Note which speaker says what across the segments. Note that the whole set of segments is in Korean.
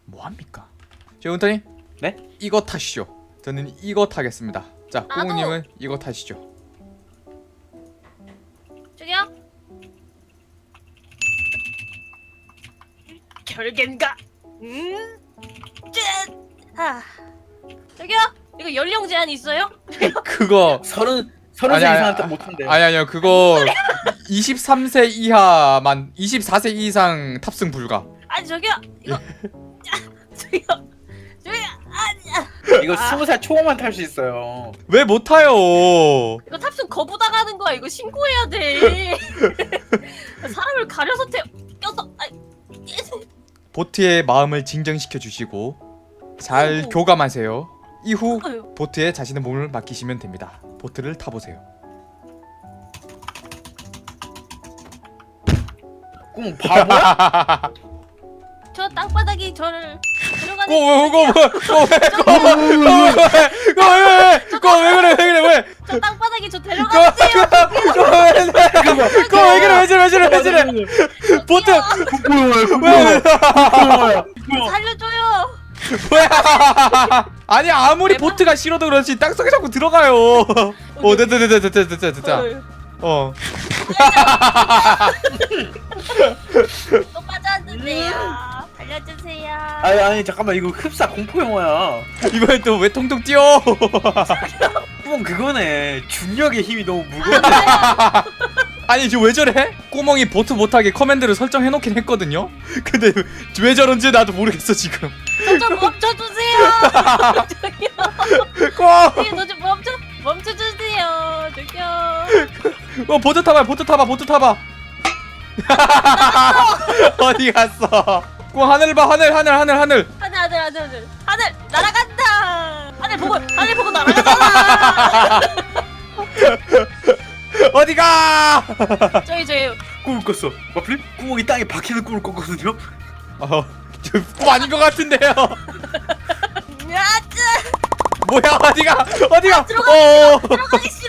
Speaker 1: 뭐합니까? 저 은타님?
Speaker 2: 네?
Speaker 1: 이거 타시죠. 저는 이거 타겠습니다. 자,
Speaker 3: 나도.
Speaker 1: 꼬우님은 이거 타시죠.
Speaker 3: 저기요? 결계인가? 짠! 아. 저기요? 이거 연령 제한 있어요?
Speaker 1: 그거
Speaker 2: 서른
Speaker 1: 아니,
Speaker 2: 살
Speaker 1: 아니,
Speaker 2: 이상한테 못한대.
Speaker 1: 아니요 그거 23세 이하만 24세 이상 탑승 불가.
Speaker 3: 아니 저기요 이거 저기요 아니야
Speaker 2: 이거 20살 초반만 탈 수 있어요.
Speaker 1: 왜 못 타요?
Speaker 3: 이거 탑승 거부 당하는 거야. 이거 신고해야 돼. 사람을 가려서 껴서
Speaker 1: 보트의 마음을 진정시켜 주시고 잘
Speaker 3: 아이고.
Speaker 1: 교감하세요. 이후
Speaker 3: 아유.
Speaker 1: 보트에 자신의 몸을 맡기시면 됩니다. 보트를 타보세요.
Speaker 2: 꿈 바보야?
Speaker 3: 저 땅바닥이 저를 들어가는
Speaker 1: 왜 그래?
Speaker 3: 저 땅바닥이 저 데려가세요.
Speaker 1: 왜 저래? 보트
Speaker 2: 뭐야?
Speaker 3: 살려줘요.
Speaker 1: 뭐야? 아니 아무리 보트가 싫어도 그렇지 땅속에 자꾸 들어가요. 됐다. 어.
Speaker 3: 또 빠졌는데요. 알려주세요.
Speaker 2: 아니 잠깐만 이거 흡사 공포 영화야.
Speaker 1: 이번엔 또 왜 통통 뛰어?
Speaker 2: 꿈은 그거네. 중력의 힘이 너무 무거워.
Speaker 1: 아니 저 왜 저래? 꼬멍이 보트 못하게 커맨드를 설정해놓긴 했거든요. 근데 왜 저런지 나도 모르겠어 지금.
Speaker 3: 저좀 멈춰주세요. 저기요.
Speaker 1: 꼬.
Speaker 3: 저좀 멈춰주세요. 저기요.
Speaker 1: 보트 타봐. 어디 갔어? 꼬 하늘 봐 하늘.
Speaker 3: 하늘 날아간다. 하늘 보고 날아가잖아.
Speaker 1: 어디가?
Speaker 3: 저기
Speaker 2: 꿈을 꿨어. 마플? 구멍이 땅에 박히는 꿈을 꿨거든요.
Speaker 1: 저꿈 아닌 것 같은데요.
Speaker 3: 야짜
Speaker 1: 뭐야 어디가?
Speaker 3: 들어가기 싫어.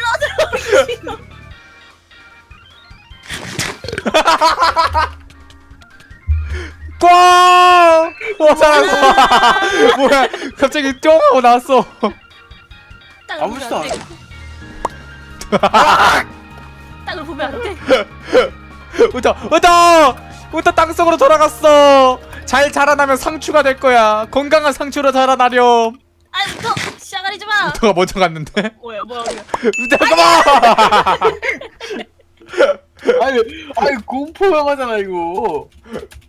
Speaker 1: 꽝! 살았어. 뭐야? 갑자기 쫑 하고 나왔어.
Speaker 2: 아무렇지도 않아.
Speaker 3: 땅을 보면 안 돼.
Speaker 1: 우타 땅속으로 돌아갔어. 잘 자라나면 상추가 될 거야. 건강한 상추로 자라나렴.
Speaker 3: 너 시작하지 마.
Speaker 1: 우타가 먼저 갔는데.
Speaker 3: 뭐야.
Speaker 1: 잠깐만.
Speaker 2: 아니 공포 영화잖아 이거.